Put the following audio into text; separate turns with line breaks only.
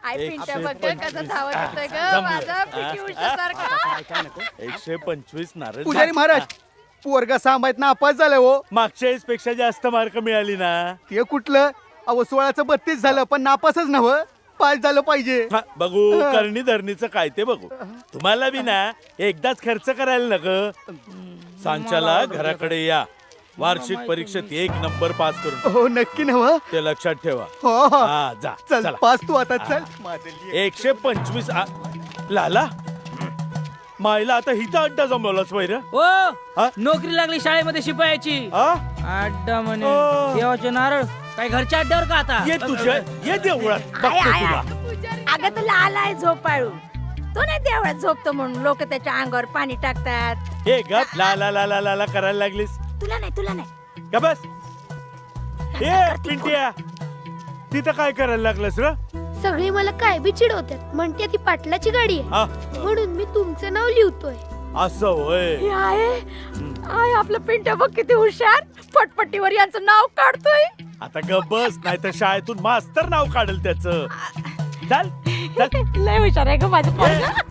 I पिंट्या बघ
125.
कसं धावत येतोय ग
जमलं.
माझा पिटी उषासारखा
125 नारळ
पुजारी महाराज पोरगा सांभाळत नापास झालाय हो.
मागच्या वेळेस पेक्षा जास्त मार्क मिळाली ना.
ते कुठलं अहो 16चं 32 झालं पण नापासच नव्ह, पास झालं पाहिजे.
हा, बघू करणी धरणीचं काय ते बघू. तुम्हाला बी ना एकदाच खर्च करायला न ग. सांच्याला घराकडे या, वार्षिक परीक्षेत 1 नंबर पास करून
हो नक्की नव्ह.
ते लक्षात ठेवा.
हो हो
हा जा
चल
चला.
पास तू आता चल. मादली.
125 लाला मायला आता हिचा अड्डा जमवलाच वैर.
ओ नोकरी लागली शाळेमध्ये शिपायाची. अड्डा म्हणे
ओ.
देवाचे नारळ काय घरच्या अड्ड्यावर का आता?
ये तुझ्या ये देवळात
आय,
बघतो
आय,
तुला.
अगं तुला आलाय झोपाळू. तो नाही देवळात झोपतो म्हणून लोक त्याच्या अंगावर पाणी टाकतात.
हे गप ला ला ला ला ला ला करायला लागलीस
तुला नाही
का? बस ए पिंट्या तिथं काय करायला लागलंस र?
सगळे मला काय बी चिडवतात, म्हणते ती पाटलाची गाडी आहे
हा,
म्हणून मी तुमचं नाव लिहितोय.
असं होय.
हे आहे आय आपलं पिंट्या बघ किती हुशार, पटपटीवर यांचं नाव काढतोय.
आता गप बस, नाही तर शाळेतून मास्तर नाव काढेल त्याचं. चल चल.
लय हुशार आहे ग माझं पोरगं.